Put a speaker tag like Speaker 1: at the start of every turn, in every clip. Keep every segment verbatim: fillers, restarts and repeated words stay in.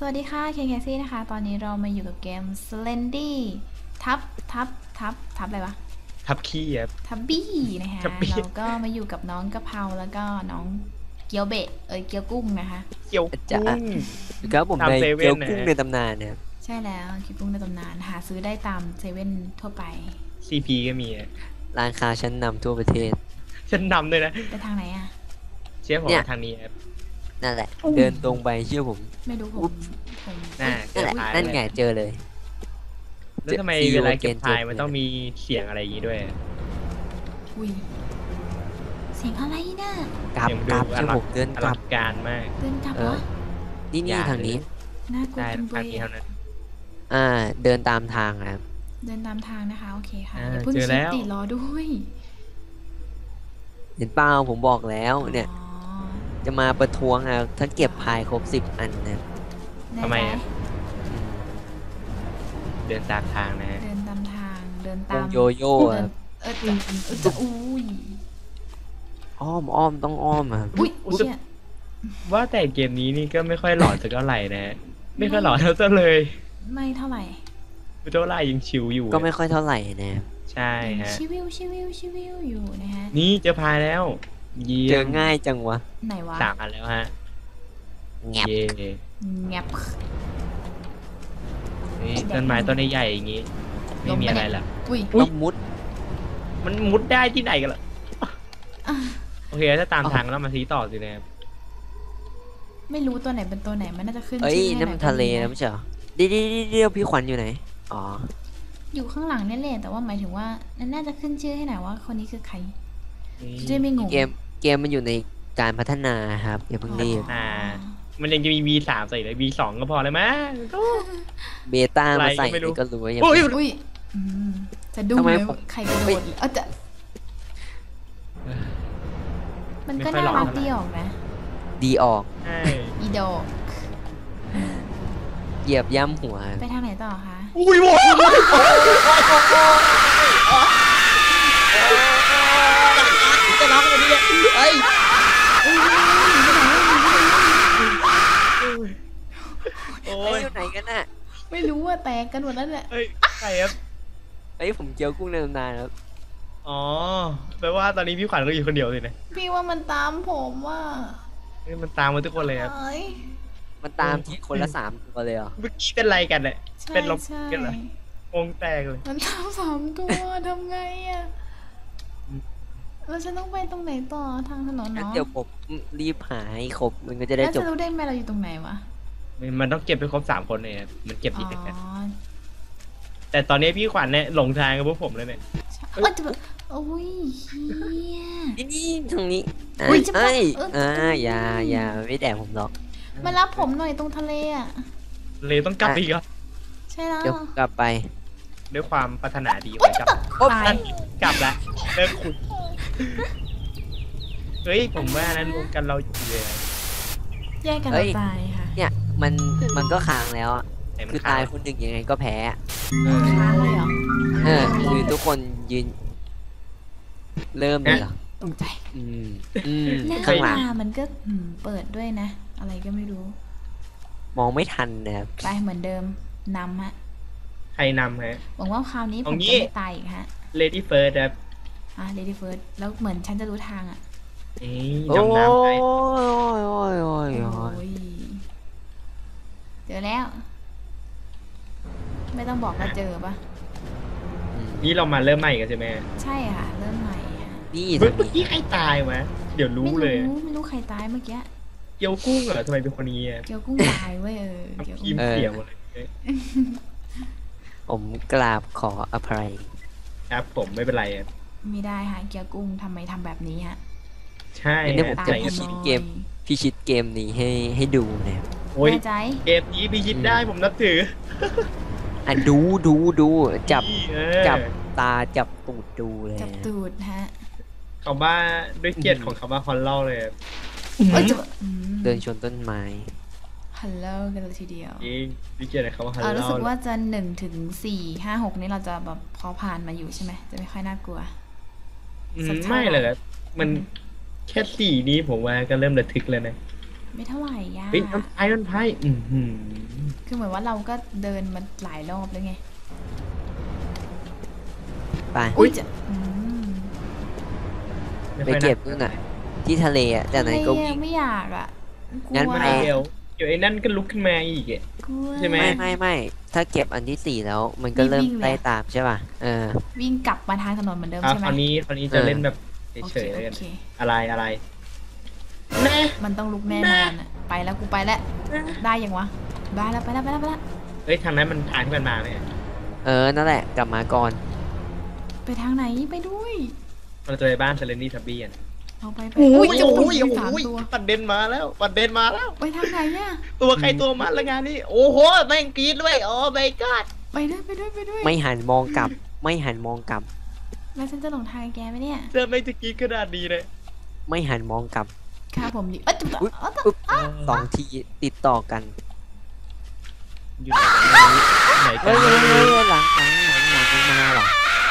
Speaker 1: วัสดีค่ะ เค เค ซี นะคะ ตอนนี้เรามาอยู่กับเกม Slendy ทับทับทับทับอะไรวะ
Speaker 2: ทับขี้ครับ
Speaker 1: ทับบี้นะคะ
Speaker 2: ทับบี้
Speaker 1: เราก็มาอยู่กับน้องกะเพราแล้วก็น้องเกี๊ยวเบะเอ้ยเกี๊ยวกุ้งนะคะ
Speaker 2: เกี่ยว
Speaker 3: จะ
Speaker 2: กุ้ง
Speaker 3: ครับผม
Speaker 2: ตาม
Speaker 3: ใน
Speaker 2: เซเว่น
Speaker 3: เกี๊ยว
Speaker 2: นะ
Speaker 3: กุ้งในตำนานนะครับ
Speaker 1: ใช่แล้วเกี๊ยวกุ้งในตำนานหาซื้อได้ตามเซเว่นทั่วไป
Speaker 2: ซี พี ก็มีอะ
Speaker 3: ร้านค้าชั้นนำทั่วประเทศ
Speaker 2: ฉันนำด้วยนะ
Speaker 1: ไปทางไหนอะ
Speaker 2: เชื่อผม
Speaker 3: เนี่ย
Speaker 2: ทางนี้ครับ
Speaker 3: นั่นแหละ เดินตรงไปเชื่อผม
Speaker 1: ไม่รู้ผมผม
Speaker 2: น่า
Speaker 3: นั่นแหละ
Speaker 2: เจอพาย
Speaker 3: นั่นไงเจอเลย
Speaker 2: แล้วทำไม
Speaker 3: See you
Speaker 2: เวลาเก็บ
Speaker 3: again
Speaker 2: พาย
Speaker 3: เจอ
Speaker 2: มันต้องมีเสียงอะไรอย่างงี้ด้วย
Speaker 1: อุ้ยเสียงอะไรน่ะ
Speaker 3: กลับ
Speaker 2: เสียง
Speaker 3: กลับ
Speaker 2: ดู
Speaker 3: เชื่อผมเดิน
Speaker 2: อก
Speaker 3: ลั
Speaker 2: ลั
Speaker 3: บ
Speaker 2: งการมาก
Speaker 1: เดินกลับ
Speaker 3: เอ
Speaker 1: เหร
Speaker 3: อ
Speaker 1: อ
Speaker 3: นี่นี่
Speaker 2: อย่า
Speaker 3: ทางนี้
Speaker 1: น่ากลัว
Speaker 2: ได้
Speaker 1: จังเล
Speaker 2: ทาง
Speaker 1: ย
Speaker 2: นี้เท่า
Speaker 1: อะ
Speaker 2: นั้น
Speaker 3: อ่า เดินตามทางนะครับ
Speaker 1: เดินตามทางนะคะ โอเคค่ะ
Speaker 2: อ่า
Speaker 1: อย่าเพิ่ง
Speaker 2: เจอ
Speaker 1: ชิ
Speaker 2: แล้
Speaker 1: ด
Speaker 2: ว
Speaker 1: ติรอด้วย
Speaker 3: เห็นเปล่าผมบอกแล้วเนี่ย
Speaker 1: อ๋อ
Speaker 3: จะมาประท้วงอ่ะถ้าเก็บพายครบสิบอันนะ
Speaker 1: แน่
Speaker 2: ทำไม
Speaker 1: ใจ
Speaker 2: อะ เดินตามทางนะฮะ
Speaker 1: เดินตามทางเดิน
Speaker 3: ว
Speaker 1: ตาง ม
Speaker 3: โยโย่
Speaker 1: เดิ
Speaker 3: อะ
Speaker 1: นเออจะเออจะอุ้ย
Speaker 3: อ้อมอ้อมต้องอ้อมอ่ะ
Speaker 1: อุ้ยเชี่ย
Speaker 2: ว่าแต่เกมนี้นี่ก็ไม่ค่อยหลอนสักเท่าไหร่นะฮะไม่ค่อยหลอนเท่าเลย
Speaker 1: ไม่เท่าไหร่
Speaker 2: เท่าไหร่ยังชิวอยู่
Speaker 3: ก็ไม่ค่อยเท่าไหร่นะครับ
Speaker 2: ใช่ฮะ
Speaker 1: ชิวิวชิวิวชิวิวอยู่นะฮะ
Speaker 2: นี่เจอพายแล้วเยี่
Speaker 3: เจ
Speaker 2: ย
Speaker 3: อ
Speaker 2: ม
Speaker 3: ง่ายจังวะ
Speaker 1: ไหนวะ
Speaker 2: สามอันแล้วฮะ
Speaker 3: แงบ
Speaker 2: เย่
Speaker 1: แงบ
Speaker 2: นี่ต้นไม้ต้นใหญ่ๆอย่างงี้ไม่มีอะไรละ
Speaker 1: อุ้ย
Speaker 2: อุ๊ย
Speaker 3: ต้องมุด
Speaker 2: มันมุดได้ที่ไหนกันล่ะ
Speaker 1: อ่ะ
Speaker 2: โอเคถ้าตามทางแล้วมาซีต่อสินะครับ
Speaker 1: ไม่รู้ตัวไหนเป็นตัวไหนมันน่าจะขึ้น
Speaker 3: เอ้ย
Speaker 1: ชื่อให้
Speaker 3: นั่น
Speaker 1: ห
Speaker 3: มัน
Speaker 1: อยก็
Speaker 3: ทะเล
Speaker 1: ดี
Speaker 3: นะไม่ใช่เหรอเดี๋ยวเดี๋ยวเดี๋ยวพี่ขวัญอยู่ไหนอ๋อ
Speaker 1: อยู่ข้างหลังนี่แหละแต่ว่าหมายถึงว่านั่นน่าจะขึ้นชื่อให้หน่อยว่าคนนี้คือใคร
Speaker 2: นี่
Speaker 1: จะได้ไม่งง
Speaker 3: เกมเกมมันอยู่ในการพัฒนาครับอย่าเพิ่งรีบ
Speaker 2: อ่า มันยังจะมี วี สาม ใส่เลย วี สอง ก็พอเลยมั้ง
Speaker 3: เบต้า
Speaker 2: อะไร
Speaker 3: มาใส่
Speaker 2: ก็ไม่รู้
Speaker 3: นี่ก็รู้ว่ายัง
Speaker 2: โอ้ย
Speaker 1: อุ้ยอืมจะดู
Speaker 3: ทำไม
Speaker 1: เลย
Speaker 3: ผม
Speaker 1: ว่าใครกระโด
Speaker 3: ไม่
Speaker 1: ดเออจะมันก็
Speaker 2: ไม่ค่อย
Speaker 1: น่า
Speaker 2: หลอน
Speaker 1: รัก
Speaker 2: เท่าไหร่
Speaker 1: ดีออกนะ
Speaker 3: ดีออก
Speaker 2: ใช่
Speaker 1: อีดอก
Speaker 3: เหยียบย่ำหัว
Speaker 1: ไปทางไหนต่อคะ
Speaker 2: อุ้ยโว้ยจะร้องอะไรเนี่ยเอ้ยโอ้
Speaker 3: เอ้ย
Speaker 2: ย
Speaker 3: อยู่ไหนกันน่ะ
Speaker 1: ไม่รู้ว่าแตกกันหมดแล้วแหละ
Speaker 2: เอ้ยใครครับ
Speaker 3: เอ้ยผมเจียวกุ้งในตำนานครับ
Speaker 2: อ๋อแปลว่าตอนนี้พี่ขวัญก็อยู่คนเดียวสินะ
Speaker 1: พี่ว่ามันตามผมว่า
Speaker 2: เฮ้ยมันตามมาทุกคนเลยครับ
Speaker 1: เอ้ย
Speaker 3: มันตามทีคนละสามตัวเลยเหรอ
Speaker 2: เมื่อกี้เป็นไรกันเนี่ย
Speaker 1: ใช่
Speaker 2: เป็นลม
Speaker 1: ใช่
Speaker 2: กันเหรอ วงแตกเลย
Speaker 1: มันตามสามตัวทำไงอ่ะแล้วฉันต้องไปตรงไหนต่อทางถนน
Speaker 3: งั้น
Speaker 1: เนาะ
Speaker 3: เดี๋ยวผมรีบหาให้ครบมันก็จะได้
Speaker 1: แล้ว
Speaker 3: จ
Speaker 1: จะ
Speaker 3: บ
Speaker 1: รู้ได้ไหมเราอยู่ตรงไหนวะ
Speaker 2: มันต้องเก็บไปครบสามคนเลยครับมันเก็บ
Speaker 1: อ๋
Speaker 2: ผิดกัน
Speaker 1: อ
Speaker 2: แต่ตอนนี้พี่ขวัญเนี่ยหลงทางกับพวกผมเลยเนี่ย
Speaker 1: ใช่เออจะแบบโอ้ยเฮีย
Speaker 3: นี่นี่ทางนี้อ่ะ
Speaker 1: อุ๊ยจะ
Speaker 3: เอ้ย
Speaker 1: เออ
Speaker 3: อ่า
Speaker 1: เออ
Speaker 3: อย่าอย่าไม่แดกผมหรอก
Speaker 1: มารับผมหน่อยตรงทะเลอ่ะ
Speaker 2: เลยต้องกลับอีกเหรอ
Speaker 1: ใช่แล้ว
Speaker 3: เดี๋ยวกลับไป
Speaker 2: ด้วยความปรารถนาดี
Speaker 1: โอ๊
Speaker 2: ไว้
Speaker 1: ย
Speaker 2: กลับ
Speaker 3: โอ๊ย
Speaker 1: ตาย
Speaker 2: กลับละเลิกขุดเฮ้ยผมว่านั้นรวมกันเราอยู่เลย
Speaker 1: แยกกัน
Speaker 3: เอ้
Speaker 1: เรา
Speaker 3: ย
Speaker 1: ตายค่ะ
Speaker 3: เนี่ยมันมันก็ค้างแล้วอะ
Speaker 2: แต่มัน
Speaker 3: คือ
Speaker 2: ขา
Speaker 3: ตาย
Speaker 2: ย
Speaker 3: คนหนึ่งยังไงก็แพ้
Speaker 1: ค้างเลยเหรอ
Speaker 3: เออคือทุกคนยืน เริ่มเลยเหรอ
Speaker 1: ตกใจ
Speaker 3: อืมอืม
Speaker 1: หน้า
Speaker 3: ข้างหลัง
Speaker 1: ตามันก็อืมเปิดด้วยนะ อะไรก็ไม่รู้
Speaker 3: มองไม่ทันนะครับ
Speaker 1: ไปเหมือนเดิมนำฮะ
Speaker 2: ใครนำฮะ
Speaker 1: หวังว่าคราวนี้ผ
Speaker 2: เอา
Speaker 1: ม
Speaker 2: งี้
Speaker 1: จะไม่ตายอีกฮะ
Speaker 2: Lady First ครับ
Speaker 1: อ่ะ lady first แล้วเหมือนฉันจะรู้ทางอ่ะ
Speaker 2: เอ้ย
Speaker 3: โอ้ย
Speaker 2: ดำน้ำไป
Speaker 3: โอ้ยโอ้ยโอ้ย
Speaker 1: โอ
Speaker 3: โอ้ย้
Speaker 1: ยเจอแล้ว ไม่ต้องบอกว่าเจอปะ
Speaker 3: อืม
Speaker 2: นี่เรามาเริ่มใหม่กันใช่ไหม
Speaker 1: ใช่ค่ะ เริ่มใหม่ค่ะ
Speaker 3: นี่
Speaker 2: เมื่อ
Speaker 3: ทางนี้
Speaker 2: กี้ใครตายวะเดี๋ยวรู้
Speaker 1: ไม่
Speaker 2: เลย
Speaker 1: รู้ไม่รู้ใครตายเมื่อกี้
Speaker 2: เกียวกุ้งเหรอทำไมเป็นคนนี้อ่ะ
Speaker 1: เกียวกุ้งตายเว้ยเออเกียว
Speaker 2: ที
Speaker 1: กุ้
Speaker 2: ม
Speaker 1: ง
Speaker 2: เสียหมดเลย
Speaker 3: ผมกราบขออภัย
Speaker 2: ครับผมไม่เป็นไรอะ
Speaker 1: ไม่ได้ค่ะเกียวกุ้งทำไมทำแบบนี้ฮะ
Speaker 2: ใช่
Speaker 3: งั้นเดี๋ยวผม
Speaker 2: ฮะ
Speaker 3: จะ
Speaker 1: ตาย
Speaker 2: ใจ
Speaker 3: พิ
Speaker 1: ทำ
Speaker 3: ชิ
Speaker 1: ไม
Speaker 3: ตเกม พิชิตเกมนี้ให้ให้ดูนะครับ
Speaker 2: โอ้ย
Speaker 1: แน่ใจ
Speaker 2: เกมนี้พิชิตได้ผมนับถือ
Speaker 3: อ่ะดูดูดูจับ
Speaker 2: นี่เออ
Speaker 3: จับตาจับตูดดูเลย
Speaker 1: จับตูดฮะ
Speaker 2: คำว่าด้วยเกียรติของคำว่าฮอลล์เลย
Speaker 1: เอ้ยจะอืม
Speaker 3: เดินชนต้นไม้
Speaker 1: ฮัลโหลกันเลยทีเดียว
Speaker 2: จริงด้วยเกียรติของคำว่าฮอล
Speaker 1: เออรู้สึก
Speaker 2: ล์
Speaker 1: ว่าจะหนึ่งถึงสี่ห้าหกนี่เราจะแบบพอผ่านมาอยู่ใช่ไหมจะไม่ค่อยน่ากลัว
Speaker 2: อื
Speaker 1: สั
Speaker 2: ม
Speaker 1: กเท่า
Speaker 2: ไม่เลย
Speaker 1: ไหร่
Speaker 2: ครับมันแค่สี่นี้ผมว่าก็เริ่มระทึกแล้วนะ
Speaker 1: ไม่เท่าไหร่ย่า
Speaker 2: เฮ้ยน้ำพายน้ำพายอือหือ
Speaker 1: คือเหมือนว่าเราก็เดินมาหลายรอบแล้วไง
Speaker 3: ไป
Speaker 1: อุ้ยจะอืม
Speaker 2: ม่
Speaker 3: ไป
Speaker 2: ค่อย
Speaker 3: เก็บ
Speaker 2: น่า
Speaker 3: นู่นน่ะ ที่ทะเลอ่ะจากนั้นก็
Speaker 1: ไม่
Speaker 3: วิ่ง
Speaker 1: ไม่อยากอ่ะกลั
Speaker 3: งั้น
Speaker 1: ว
Speaker 3: ไม่
Speaker 2: เดี๋ยวเดี๋ยวไอ้นั่นก็ลุกขึ้นมาอีกอ่ะ
Speaker 1: กลัว
Speaker 2: ใช่ไหม
Speaker 3: ไม่ไม่ไม่ถ้าเก็บอันที่สี่แล้ว มันก็เริ่ม
Speaker 1: วิ่งเลย
Speaker 3: ไล่ตามใช่ป่ะเออ
Speaker 1: วิ่งกลับมาทางถนนเหมือนเดิม
Speaker 2: อ่ะ
Speaker 1: ใช่ไห
Speaker 2: ค
Speaker 1: ม
Speaker 2: ราวนี้คราวนี้
Speaker 3: เอ
Speaker 2: จะ
Speaker 3: อ
Speaker 2: เล่นแบบ
Speaker 1: โอ
Speaker 2: เฉ
Speaker 1: เค
Speaker 2: ยๆแล้วกัน
Speaker 1: โอเค
Speaker 2: อะไรอะไรแน่
Speaker 1: มันต้องลุกแน่นอนอ่ะไปแล้วกูไปแล้วได้ยังวะได้แล้วไปแล้วไปแล้วไปแล้ว
Speaker 2: เฮ้ยทางนั้นมันทางที่มันมาเนี่ย
Speaker 3: เออนั่นแหละกลับมาก่อน
Speaker 1: ไปทางไหนไปด้วย
Speaker 2: เราจะไปบ้านเซเลนี่ทับบี้กัน
Speaker 1: เอาไปไป
Speaker 2: โอ้ย
Speaker 1: จะ
Speaker 2: โอ้ย
Speaker 1: มีสาม
Speaker 2: โอ้ย
Speaker 1: ตัว
Speaker 2: ปัดเดนมาแล้วปัดเดนมาแล้ว
Speaker 1: ไปทางไหนเนี่ย
Speaker 2: ตัวใครตัวมันละงานนี้โอ้โหแม่งกรีดด้วยโอ้ my god
Speaker 1: ไปด้วยไปด้วยไปด้วย
Speaker 3: ไม่หันมองกลับ ไม่หันมองกลับ
Speaker 1: แล้วฉันจะหลงทางแกไหมเนี่ย
Speaker 2: เจอไม่จะกรีดขนาดนี้เลย
Speaker 3: ไม่หันมองกลับ
Speaker 1: ค่ะผมดิเอ้ยจุ๊บ
Speaker 3: อุ๊ย
Speaker 1: เอ้ย
Speaker 3: ปึ๊บสองทีติดต่อกัน
Speaker 2: อยู่ไหนกันไหนกั
Speaker 3: เฮ้
Speaker 2: น
Speaker 3: ยเฮ้ยเฮ้ยหลังหลังหลังหลังมันมาเหรอ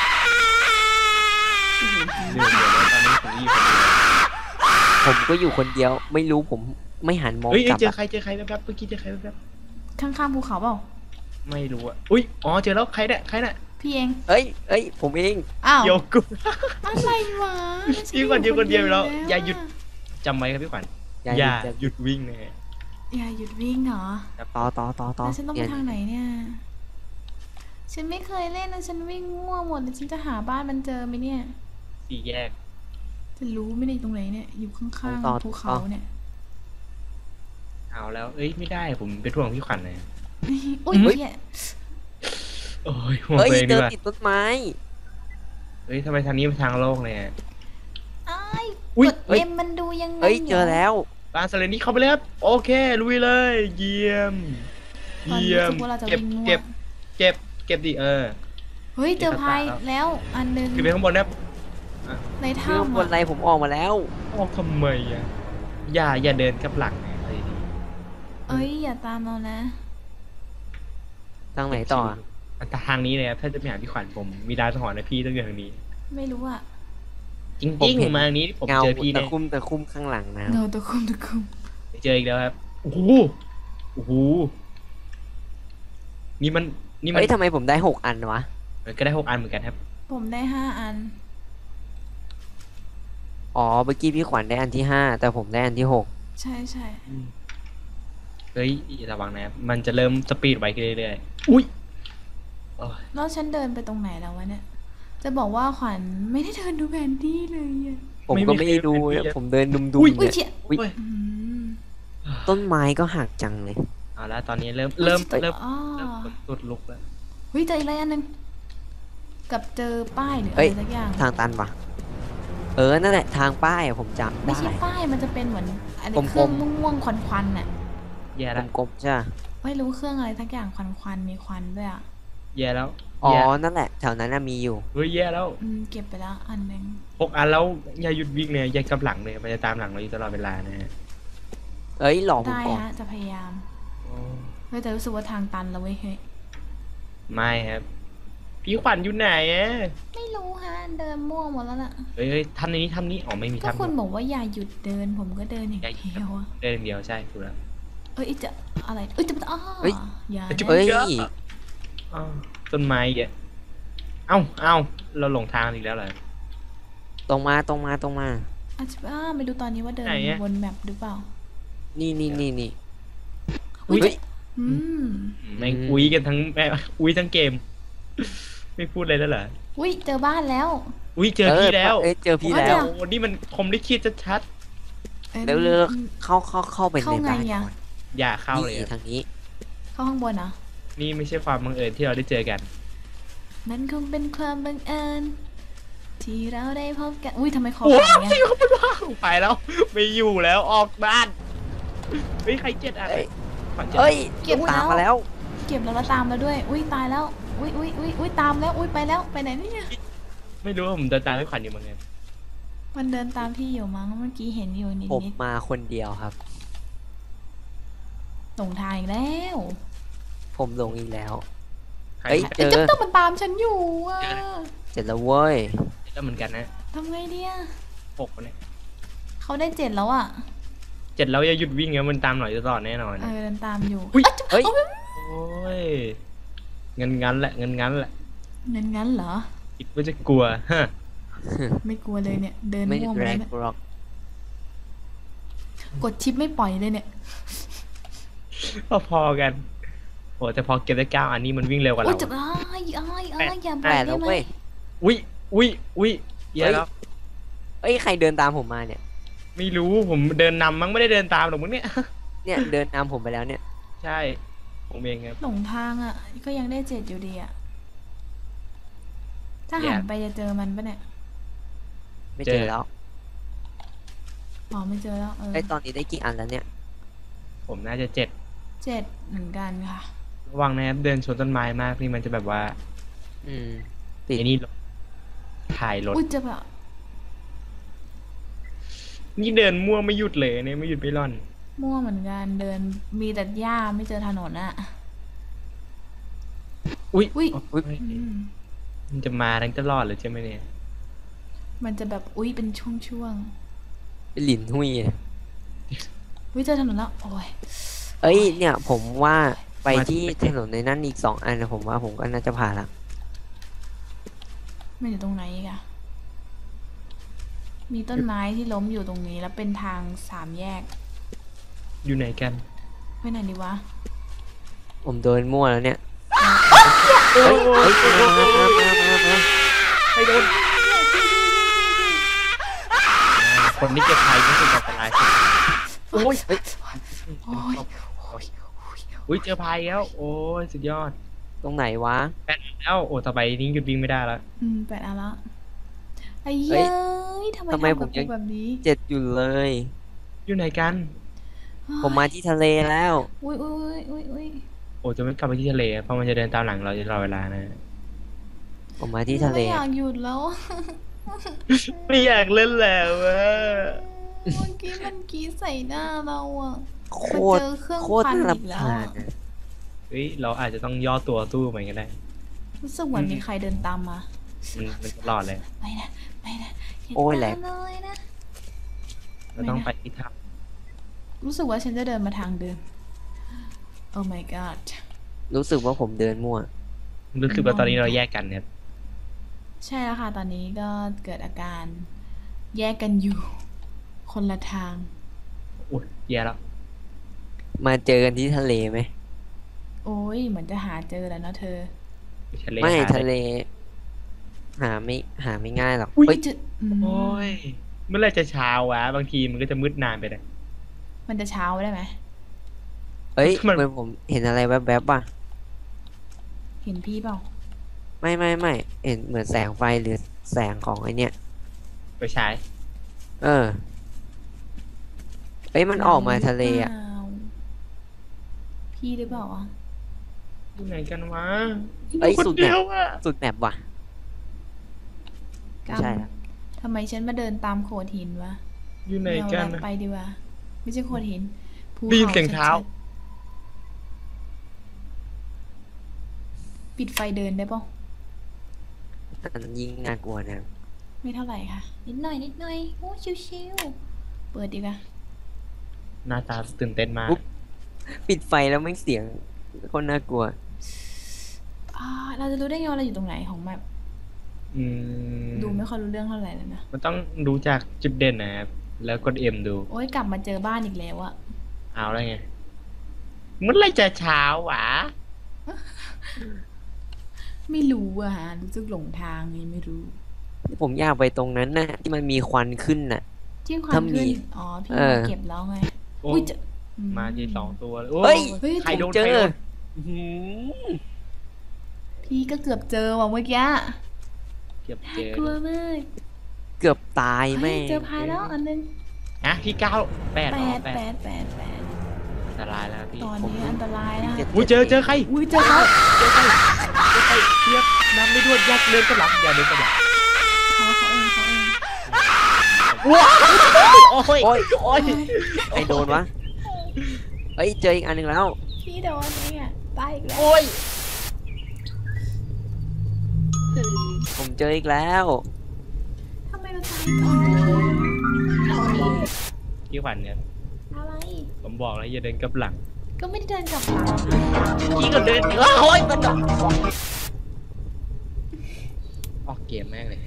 Speaker 2: เดี๋ยวเดี๋ยวตอนนี้ผมอยู่คนเดียว
Speaker 3: ผมก็อยู่คนเดียว ไม่รู้ผมไม่หันมอง
Speaker 2: เฮ้ย
Speaker 3: กลับ
Speaker 2: เจอ
Speaker 3: อะ
Speaker 2: ใครเจอใครแป๊บๆเมื่อกี้เจอใครแป๊บ
Speaker 1: ข้างๆภูเขาเปล่า
Speaker 2: ๆไม่รู้อ่ะอุ้ยอ๋อเจอแล้วใครเนี่ยใครเนี่ย
Speaker 1: พี่เอง
Speaker 3: เอ้ยเอ้ยผมเอง
Speaker 1: อ้าว
Speaker 2: โยกุ
Speaker 1: อะไรวะ
Speaker 2: พี่ขวัญอยู่คนเดียวแล้ว
Speaker 1: ะ
Speaker 2: อย่าหยุด จำไว้ครับพี่ขวัญ
Speaker 3: อย่า
Speaker 2: อย่า
Speaker 3: จะ
Speaker 2: หยุดวิ่งนะฮะ
Speaker 1: อย่าหยุดวิ่งเหรอ
Speaker 3: ต่อต่อต่อต่อ
Speaker 1: แล้วฉันต้องไป
Speaker 3: เนี่ย
Speaker 1: ทางไหนเนี่ย ฉันไม่เคยเล่นนะฉันวิ่งมั่วหมดเลยฉันจะหาบ้านมันเจอไหมเนี่ย
Speaker 2: สี่แยก
Speaker 1: จะรู้ไม่ได้ตรงไหนเนี่ย อยู่ข้างๆภูเขาเนี่ย
Speaker 2: เอาแล้ว เอ้ยไม่ได้ผมเป็นห่วงพี่ขวัญเลย
Speaker 1: อุ้ยเหี้ย
Speaker 2: โอ้ยห่วง
Speaker 3: เฮ้ย
Speaker 2: ตัวเอง
Speaker 3: เจ
Speaker 2: ดี
Speaker 3: อก
Speaker 2: ว่า
Speaker 3: ติดต้นไม้
Speaker 2: เฮ้ยทำไมทางนี้เป็นทางโล่งเลยอะ
Speaker 1: อ้าย
Speaker 2: อุ๊ย
Speaker 1: กดเอ็มมันดูยังไง
Speaker 3: เฮ้ยเจอแล้ว
Speaker 2: บ้านเซเลนี่เข้าไปเลยครับโอเคลุยเลยเยี่ยม
Speaker 1: ตอน
Speaker 2: เยี่
Speaker 1: นี้
Speaker 2: ยม
Speaker 1: รู้สึกว่าเราจะ
Speaker 2: เก็บ
Speaker 1: วิ่งมั่ว
Speaker 2: เก็บเก็บเก็บดิเออ
Speaker 1: เฮ้ยเจอพายแล้วอันหนึง
Speaker 2: ขึ้นไปข้างบนนะครับ
Speaker 1: ใน
Speaker 3: เรื่อง
Speaker 1: ถ้ำ
Speaker 3: บนไร
Speaker 1: อะ
Speaker 3: ผมออกมาแล้ว
Speaker 2: ออกทำไมอ่ะอย่าอย่าเดินกับหลังนะอะไรดี
Speaker 1: เอ้ยอย่าตามเรานะ
Speaker 3: ทางไหนต่ออะ
Speaker 2: แต่ทางนี้เลยครับถ้าจะไปหาพี่ขวัญผมมีดาวสหรณ์นะพี่ต้องอยู่ทางนี้
Speaker 1: ไม่รู้อะ
Speaker 2: จริงๆผมมาทางนี้ผม
Speaker 3: เงา
Speaker 2: เจอพี่
Speaker 3: ตะ
Speaker 2: เนี่ย
Speaker 3: คุ่มตะคุ่มข้างหลังนะ
Speaker 1: เงาตะคุ่มตะคุ่ม
Speaker 2: เจออีกแล้วครับโอ้โหโอ้โหนี่มันนี่มัน
Speaker 3: เฮ้ยทำไมผมได้หกอันวะ
Speaker 2: เออก็ได้หกอันเหมือนกันครับ
Speaker 1: ผมได้ห้าอัน
Speaker 3: อ๋อเมื่อกี้พี่ขวัญได้อันที่ห้าแต่ผมได้อันที่หก
Speaker 1: ใช่ใช่
Speaker 2: เฮ้ยระวังนะครับมันจะเริ่มสปีดไวขึ้นเรื่อยๆอุ้ยโอ้ย
Speaker 1: แล้วฉันเดินไปตรงไหนแล้ววะเนี่ย จะบอกว่าขวัญไม่ได้เดินดูแผนที่เลยอะ
Speaker 3: ผมก็ไม่ได้ดูนะผมเดินดุม
Speaker 2: อุ้ย
Speaker 3: ๆ
Speaker 1: อุ้ย
Speaker 3: เนี่ย
Speaker 1: เชี่ย
Speaker 3: อุ๊ย
Speaker 1: อืม
Speaker 3: ต้นไม้ก็หักจังเลย
Speaker 2: เอาละตอนนี้เริ่มเริ่มเริ่ม
Speaker 1: อ๋อ
Speaker 2: เริ่มสุดลุกแล้ว
Speaker 1: เฮ้ยเจออีกอะไรอันหนึงกับเจอป้ายหรืออะ
Speaker 3: เฮ้
Speaker 1: ไร
Speaker 3: ย
Speaker 1: สักอย่าง
Speaker 3: ทางตันปะเออนั่นแหละทางป้ายอะผมจำ
Speaker 1: ไม่
Speaker 3: ได้
Speaker 1: ใช่ป้ายมันจะเป็นเหมือนอะไร
Speaker 3: กลมๆ
Speaker 1: เครื่องม่วงๆควันๆน่ะ
Speaker 2: แย่แล้ว
Speaker 3: กลมๆใช่ปะ
Speaker 1: ไม่รู้เครื่องอะไรสักอย่างควันๆมีควันด้วยอ่ะ
Speaker 2: แย่แล้ว
Speaker 3: อ๋อ
Speaker 2: แย่
Speaker 3: นั่นแหละแถวนั้นน่ะมีอยู่
Speaker 2: เฮ้ยแย่แล้ว
Speaker 1: อืมเก็บไปแล้วอันหนึง
Speaker 2: หกอันแล้วอย่าหยุดวิ่งเลยอย่ากลับหลังเลยมันจะตามหลังเราอยู่ตลอดเวลานะฮะ
Speaker 3: เอ้ยหลอกผม
Speaker 1: ได้
Speaker 3: ก่อน
Speaker 1: ฮะจะพยายาม
Speaker 2: โอ้
Speaker 1: เฮ้ยแต่รู้สึกว่าทางตันแล้วเว้ยเฮ้ย
Speaker 2: ไม่ครับพี่ขวัญอยู่ไหนอะ
Speaker 1: ไม่รู้ฮะเดินมั่วหมดแล้วล่ะ
Speaker 2: เฮ้ยเฮ้ยทำในนี้ทำนี้อ๋อไม่มี
Speaker 1: ก็
Speaker 2: ทำ
Speaker 1: คุณบอกว่าอย่าหยุดเดินผมก็เดินอย่าง
Speaker 2: อย่าหยุด
Speaker 1: เดียวอะ
Speaker 2: เดินอย่างเดียวใช่ถูกแล้ว
Speaker 1: เอ้ยจะอะไรเอ้ยจะอ้ออย่า
Speaker 2: จะ
Speaker 1: นะ
Speaker 3: เอ้ย
Speaker 2: อ้าวต้นไม้อีกอะเอ้าเอ้าเราหลงทางอีกแล้วเหรอ
Speaker 3: ตรงมาตรงมาตรงมา
Speaker 1: อาจจะอ้าไม่ดูตอนนี้ว่าเดิน
Speaker 2: ไหนอะ
Speaker 1: วนแมปหรือเปล่า
Speaker 3: นี่นี่นี่นี่
Speaker 2: อุ๊ย
Speaker 3: เฮ้ย
Speaker 1: อืม
Speaker 2: แม่งอุ้ยกันทั้งแม่อุ้ยทั้งเกม ไม่พูดอะไรแล้วเหรอ
Speaker 1: อุ้ยเจอบ้านแล้ว
Speaker 2: อุ้ยเจอพี่แล้ว
Speaker 3: เอ้ยเจอพี่
Speaker 1: โอ้ย
Speaker 3: แล้ว
Speaker 2: โอ้นี่มันคมลิขิตชัด
Speaker 1: อ้ย
Speaker 3: เร็วเร็วเข้าเข้าเข้าไป
Speaker 1: เข้า
Speaker 3: ใน
Speaker 1: ไง
Speaker 3: บ้าน
Speaker 1: อะ
Speaker 3: ก่อน
Speaker 2: ๆอย่าเข้าเลย
Speaker 3: นี่
Speaker 2: อะ
Speaker 3: ทางนี้
Speaker 1: เข้าข้างบนเหรอ
Speaker 2: นี่ไม่ใช่ความบังเอิญที่เราได้เจอกัน
Speaker 1: มันคงเป็นความบังเอิญที่เราได้พบกัน อุ้ยทำไมคอ
Speaker 2: โอ้
Speaker 1: สั่นเนี่ย
Speaker 2: ยเขาไม่ว่าไปแล้ว ไม่อยู่แล้วออกบ้านเฮ้ยใครเจ็ดอะ
Speaker 3: เอ้ย
Speaker 2: ขวัญเจ็ด
Speaker 3: เอ้ย
Speaker 1: เก็บ
Speaker 3: ตาม
Speaker 1: แล้ว
Speaker 3: มาแล้ว
Speaker 1: เก็บแล้วแล้วตามแล้วด้วย อุ้ยตายแล้ว อุ้ยอุ้ยอุ้ยอุ้ยตามแล้ว อุ้ยไปแล้ว ไปไหนเนี่ย
Speaker 2: ไม่รู้ว่าผมเดินตามให้ขวัญอยู่เหมือนกัน
Speaker 1: มันเดินตามพี่อยู่มั้ง เมื่อกี้เห็นอยู่นิด
Speaker 3: ผม
Speaker 1: นิด
Speaker 3: มาคนเดียวครับ
Speaker 1: หลงทางอีกแล้ว
Speaker 3: ผมลงอีกแล้ว
Speaker 2: ใคร
Speaker 3: เอ้ย
Speaker 2: มา
Speaker 3: เจ
Speaker 1: ไอ้
Speaker 3: อ
Speaker 1: เจ้าต้องมันตามฉันอยู่อ่ะ
Speaker 3: เสร็จแล้วเว้ย
Speaker 2: แล้วเหมือนกันนะ
Speaker 1: ทำไงดีอะ
Speaker 2: หกคนเนี่ย
Speaker 1: เขาได้เจ็ดแล้วอ่ะ
Speaker 2: เจ็ดแล้วอย่าหยุดวิ่งนะมันตามหน่อยจะต่อแน่นอน
Speaker 1: เออเดินตามอยู่
Speaker 2: อุ๊ย
Speaker 3: เฮ้ย
Speaker 2: โอ้ยงั้นงั้นแหละงั้นงั้นแหละ
Speaker 1: งั้นงั้นเหรอ
Speaker 2: คิดว่าจะกลัวฮะ
Speaker 1: ไม่กลัวเลยเนี่ย เดิน
Speaker 3: ไม่
Speaker 1: ม่วงไป
Speaker 3: แร
Speaker 1: เลย
Speaker 3: ก
Speaker 1: เนี่ย
Speaker 3: หรอก
Speaker 1: กดชิปไม่ปล่อยเลยเนี่ย
Speaker 2: พอๆกันโอ้แต่พอเก็บได้เก้าอันนี้มันวิ่งเร็วกว่า
Speaker 1: โอ้ย
Speaker 2: เรา
Speaker 1: จะอ้ายอ้ายอ้ายอย่าปล่
Speaker 3: แป
Speaker 1: อย
Speaker 3: ด
Speaker 1: ได้
Speaker 3: แล้ว
Speaker 1: ไหม
Speaker 3: เว้ย
Speaker 2: อุ้ยอุ้ยอุ้ยเหี้ย
Speaker 3: เฮ้ย
Speaker 2: แล้ว
Speaker 3: เอ้ยใครเดินตามผมมาเนี่ย
Speaker 2: ไม่รู้ผมเดินนำมั้งไม่ได้เดินตามหรอกมึงเนี่ย
Speaker 3: เนี่ยเดินตามผมไปแล้วเนี่ย
Speaker 2: ใช่ผมเองครับ
Speaker 1: หลงทางอ่ะ ก็ยังได้เจ็ดอยู่ดีอ่ะ ถ้า
Speaker 2: แย่
Speaker 1: หันไปจะเจอมันปะเนี่ย
Speaker 3: ไม่
Speaker 2: เจ
Speaker 3: เจ
Speaker 2: อ
Speaker 3: อแล้ว
Speaker 1: อ๋อไม่เจอแล้วเออ
Speaker 3: ไอ้ยตอนนี้ได้กี่อันแล้วเนี่ย
Speaker 2: ผมน่าจะเจ็ด
Speaker 1: เจ็ดเหมือนกันค่ะ
Speaker 2: ระวังนะครับเดินชนต้นไม้มากนี่มันจะแบบว่า
Speaker 3: อืม ติด
Speaker 2: ไอ้นี่รถถ่ายรถ
Speaker 1: อุ้ยจะแบบ
Speaker 2: นี่เดินมั่วไม่หยุดเลยเนี่ยไม่หยุดไม่ร่อน
Speaker 1: มั่วเหมือนกันเดินมีแต่หญ้าไม่เจอถนนอ่ะ
Speaker 2: อุ้ย
Speaker 1: อุ๊ย
Speaker 2: อุ๊ย
Speaker 1: อืม
Speaker 2: มันจะมาทั้งตลอดเลยใช่ไหมเนี่ย
Speaker 1: มันจะแบบอุ้ยเป็นช่วง
Speaker 3: เป็นหลินหุยอะ
Speaker 1: ๆอุ้ยเจอถนนแล้ว โอ้ย
Speaker 3: เอ้ยเนี่ย ผมว่าไปที่ถนนในนั้นอีกสองอันนะผมว่าผมก็น่าจะผ่านละ
Speaker 1: มันอยู่ตรงไหนอีกอะมีต้นไม้ที่ล้มอยู่ตรงนี้แล้วเป็นทางสามแยก
Speaker 2: อยู่ไหนกัน
Speaker 1: ไปไหนดีวะ
Speaker 3: ผมเดินมั่วแล้วเนี่ย
Speaker 2: โอ้
Speaker 3: เฮ้ย
Speaker 2: ย
Speaker 3: เฮ้ยมามามามามามา
Speaker 2: ใครโดนคนที่เก็บภัยก็คืออันตรายสุด
Speaker 3: โอ้ยเฮ้ย
Speaker 1: โอ้ย
Speaker 2: อุ้ยเจอภัยแล้วโอ้ยสุดยอด
Speaker 3: ตรงไหนวะ
Speaker 2: แปดแล้วโอ้ต่อไปนี้หยุดวิ่งไม่ได้แล้ว
Speaker 1: อืมแปดอันละไอ้
Speaker 3: เฮ้
Speaker 1: เย้
Speaker 3: ย
Speaker 1: ยทำไม
Speaker 3: ทำไม
Speaker 1: ทำ
Speaker 3: ผ
Speaker 1: กับ
Speaker 3: มยั
Speaker 1: กู
Speaker 3: ง
Speaker 1: แบบนี้
Speaker 3: เจ็ดอยู่เลย
Speaker 2: อยู่ไหนกัน
Speaker 3: ผมมาที่ทะเลแล้ว
Speaker 1: อุ้ยอุ้ยอุ้ยอุ้ย
Speaker 2: โอ้จะไม่กลับไปที่ทะเลเพราะมันจะเดินตามหลังเราจะตลอดเวลานะ
Speaker 3: ผมมาที่ทะเล
Speaker 1: ไม่อยากหยุดแล้ว
Speaker 2: ไม่อยากเล่นแล้วอะ
Speaker 1: เมื่อกี้มันกรี้ใส่หน้าเราอะ
Speaker 3: โค
Speaker 1: มา
Speaker 3: ต
Speaker 1: เจ
Speaker 3: ร
Speaker 1: อเครื่อง
Speaker 3: โคตร
Speaker 1: พัน
Speaker 3: น่า
Speaker 1: อีก
Speaker 3: รำ
Speaker 1: แล้ว
Speaker 3: คา
Speaker 1: อะ
Speaker 3: ญอะ
Speaker 2: เฮ้ยเราอาจจะต้องย่อตัวสู้เหมือนกันได้
Speaker 1: รู้สึกเหมือนมีใครเดินตามมา
Speaker 2: มันมันตลอดเลย
Speaker 1: ไม่นะไม่นะา
Speaker 3: โอ้ยแหลก
Speaker 1: ตามเลยนะ
Speaker 2: เราต้องไปที่ถ้
Speaker 1: รู้สึกว่าฉันจะเดินมาทางเดิม Oh my god
Speaker 3: รู้สึกว่าผมเดินมั่ว
Speaker 2: ำรู้สึกว่าตอนนี้เราแยกกันเนี่ย
Speaker 1: ใช่แล้วค่ะ ตอนนี้ก็เกิดอาการแยกกันอยู่ คนละทาง
Speaker 2: อุ้ยแย่แล้ว
Speaker 3: มาเจอกันที่ทะเลไหม
Speaker 1: โอ้ยเหมือนจะหาเจอแล้วเนาะเธอ
Speaker 2: ทะเล
Speaker 3: ไม่
Speaker 2: หา
Speaker 3: ทะเล หาไม่หาไม่ง่ายหรอก
Speaker 1: อุ้ย
Speaker 3: เฮ้ย
Speaker 1: จะอืม
Speaker 2: โอ้ยเมื่อไหรจะเช้าวะบางทีมันก็จะมืดนานไปเลย
Speaker 1: มันจะเช้าได้ไหม
Speaker 3: เฮ้ย
Speaker 2: มัน
Speaker 3: เหมือนผมเห็นอะไรแวบๆป่ะ
Speaker 1: เห็นพี่เปล่า
Speaker 3: ไม่ไม่ไม่เห็นเหมือนแสงไฟหรือแสงของไอเนี้ย
Speaker 2: ไปใช้
Speaker 3: เออเอ้ยมันออกมาทะเลอ่ะ
Speaker 1: ปล่าพี่หรือเปล่าวะ
Speaker 2: อยู่ไหนกันวะ
Speaker 3: เอ้ย
Speaker 2: คน
Speaker 3: สุดแบ
Speaker 2: เดีย
Speaker 3: บ
Speaker 2: วอะ
Speaker 3: สุดแบบว่ะ
Speaker 1: ก
Speaker 3: ไม่ใช่ละ
Speaker 1: ทำไมฉันมาเดินตามโขดหินวะ
Speaker 2: อยู่ไหน
Speaker 1: เรา
Speaker 2: กัน
Speaker 1: แวะ
Speaker 2: อะ
Speaker 1: ไปดีกว่า ไม่ใช่โขดหินภู
Speaker 2: ได้ยินเสียง
Speaker 1: ชัดๆ
Speaker 2: เท้า
Speaker 1: ปิดไฟเดินได้ปะ
Speaker 3: อันยิ่งน่ากลัวนะ
Speaker 1: ไม่เท่าไหร่ค่ะ นิดหน่อยนิดหน่อยโอ้ชิวๆเปิดดีกว่า
Speaker 2: หน้าตาตื่นเต้นมาก
Speaker 3: ปิดไฟแล้วไม่เสียงคนน่ากลัว
Speaker 1: อ่าเราจะรู้ได้ไงว่าเราอยู่ตรงไหนของแมป
Speaker 2: อืม
Speaker 1: ดูไม่ค่อยรู้เรื่องเท่าไหร่เลยนะ
Speaker 2: มันต้องดูจากจุดเด่นนะครับแล้วกดเอ็มดู
Speaker 1: โอ้ยกลับมาเจอบ้านอีกแล้วอะ
Speaker 2: เอาแล้วไงเมื่อไหรจะเช้าวะ
Speaker 1: ไม่รู้อะฮะรู้สึกหลงทางไงไม่รู้
Speaker 3: ผมอยากไปตรงนั้นน่ะ ที่มันมีควันขึ้นน่ะ
Speaker 1: ที่ความ
Speaker 3: ถ้ามี
Speaker 1: ขึ้นอ๋อพี่
Speaker 3: เออ
Speaker 1: มาเก็บแล้วไง
Speaker 2: โอ้
Speaker 1: อุ้ยจะอื
Speaker 2: มาทีสองตัวเลยโอ้
Speaker 3: เฮ้ย
Speaker 1: เฮ้ย
Speaker 2: ใครโดน
Speaker 3: เจ
Speaker 2: ใคร
Speaker 3: อ
Speaker 2: โดน
Speaker 3: อื้อหือ
Speaker 1: พี่ก็เกือบเจอว่ะเมื่อกี้
Speaker 2: เก็บเจอก
Speaker 1: ลัวมาก
Speaker 3: เกือบตาย
Speaker 1: เฮ้
Speaker 3: แม่
Speaker 1: ย
Speaker 3: ง
Speaker 1: เจอพายแล้วอันนึง
Speaker 2: นะพี่เก้าแปด
Speaker 1: แป
Speaker 2: อ๋อ
Speaker 1: ด
Speaker 2: แป
Speaker 1: แป
Speaker 2: ด
Speaker 1: ดแปดแปด
Speaker 2: อันตรายแล้วพี่
Speaker 1: ตอนนี้อันตรายนะ
Speaker 3: จ็ด
Speaker 2: อุ้ยเจอเจอใคร
Speaker 1: อุ้ยเจอเขา
Speaker 2: เจอใครเจอใครเทียบน้ำไม่ด้วยยักเดินกระหลังอย่าเดินกระหลัง
Speaker 1: เขาเขาเองเขาเอง
Speaker 2: ว้าวโอ้ย
Speaker 3: โอ้ย
Speaker 2: โอ้ย
Speaker 3: ใครโดนวะเฮ้ยเจออีกอันหนึ่งแล้ว
Speaker 1: พี่โดนเนี่ยตายอีกแล้ว
Speaker 2: โอ้ย
Speaker 3: ผมเจออีกแล้ว
Speaker 1: ทำไมเราตายก่อน
Speaker 2: พี่ขวัญเนี่ย
Speaker 1: อะไร
Speaker 2: ผมบอกแล้วอย่าเดินกลับหลัง
Speaker 1: ก็ไม่ได้เดินกลับหลังนะ
Speaker 3: พี่ก็เดินเอ้ยมันจะ
Speaker 2: ออกเกมแม่งเลย